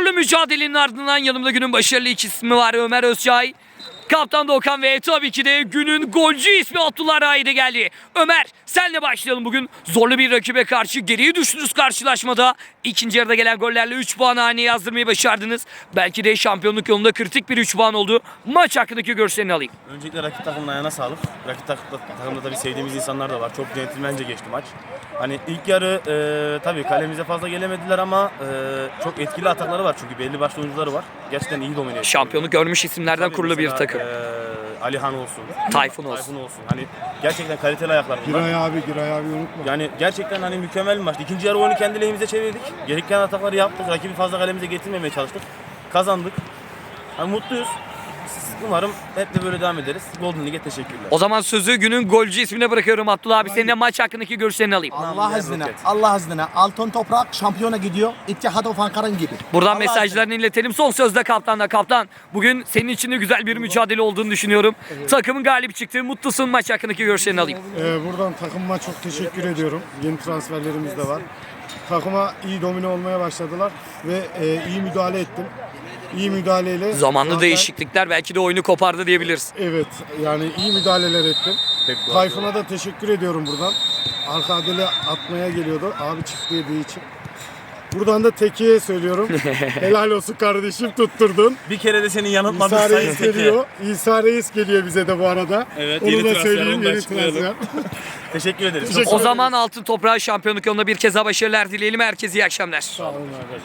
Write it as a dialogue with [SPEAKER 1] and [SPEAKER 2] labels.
[SPEAKER 1] Zorlu mücadelenin ardından yanımda günün başarılı iki ismi var. Ömer Özçay, Kaptan Doğukan ve tabii ki de günün golcü ismi Abdullah Raide geldi. Ömer, senle başlayalım bugün. Zorlu bir rakibe karşı geriye düştünüz karşılaşmada. İkinci yarıda gelen gollerle 3 puan haneye yazdırmayı başardınız. Belki de şampiyonluk yolunda kritik bir 3 puan oldu. Maç hakkındaki görüşlerini alayım.
[SPEAKER 2] Öncelikle rakip takımın ayağına sağlık. Rakip takımda tabii sevdiğimiz insanlar da var. Çok centilmence geçti maç. Hani ilk yarı tabii kalemize fazla gelemediler ama çok etkili atakları var çünkü belli başlı oyuncuları var. Gerçekten iyi domine ediyor.
[SPEAKER 1] Şampiyonluk görmüş isimlerden
[SPEAKER 2] Tabii
[SPEAKER 1] kurulu bir
[SPEAKER 2] mesela,
[SPEAKER 1] takım.
[SPEAKER 2] Alihan olsun.
[SPEAKER 1] Tayfun olsun.
[SPEAKER 2] Hani gerçekten kaliteli ayaklar bunlar.
[SPEAKER 3] Giray abi unutma.
[SPEAKER 2] Yani gerçekten hani mükemmel bir maçtı. İkinci yarı oyunu kendi lehimize çevirdik. Gereken atakları yaptık. Rakibi fazla kalemize getirmemeye çalıştık. Kazandık. Hani mutluyuz. Umarım hep de böyle devam ederiz. Golden League'e teşekkürler.
[SPEAKER 1] O zaman sözü günün golcü ismine bırakıyorum Abdullah abi. Senin de maç hakkındaki görüşlerini alayım.
[SPEAKER 4] Allah izniyle Altın Toprak şampiyona gidiyor. İttihat of Ankara'nın gibi.
[SPEAKER 1] Buradan
[SPEAKER 4] Allah
[SPEAKER 1] mesajlarını iletelim. Son sözde kaptanla. Kaptan, bugün senin için de güzel bir mücadele olduğunu düşünüyorum. Takımın galip çıktı. Mutlusun, maç hakkındaki görüşlerini alayım.
[SPEAKER 3] Buradan takımıma çok teşekkür ediyorum. Yeni transferlerimiz de var. Takıma iyi domine olmaya başladılar ve iyi müdahale ettim. İyi müdahaleyle...
[SPEAKER 1] Zamanlı
[SPEAKER 3] zaten-
[SPEAKER 1] değişiklikler belki de oyunu kopardı diyebiliriz.
[SPEAKER 3] Evet, yani iyi müdahaleler ettim. Tayfun'a da teşekkür ediyorum buradan. Arka adele atmaya geliyordu abi çift yediği için. Buradan da Teki'ye söylüyorum. Helal olsun kardeşim, tutturdun.
[SPEAKER 2] Bir kere de seni yanıltmadık
[SPEAKER 3] İsa
[SPEAKER 2] sayın
[SPEAKER 3] Reis
[SPEAKER 2] Teke.
[SPEAKER 3] geliyor. İsa Reis geliyor bize de bu arada.
[SPEAKER 2] Evet,
[SPEAKER 3] Onu
[SPEAKER 2] yeni
[SPEAKER 3] da
[SPEAKER 2] transfer,
[SPEAKER 3] söyleyeyim,
[SPEAKER 2] onu da
[SPEAKER 3] yeni
[SPEAKER 2] açıklayalım.
[SPEAKER 3] transfer.
[SPEAKER 2] Teşekkür ederiz.
[SPEAKER 3] Teşekkür
[SPEAKER 1] O zaman Altın Toprağı şampiyonluk yolunda bir kez daha başarılar dileyelim. Herkese iyi akşamlar.
[SPEAKER 3] Sağ olun arkadaşlar.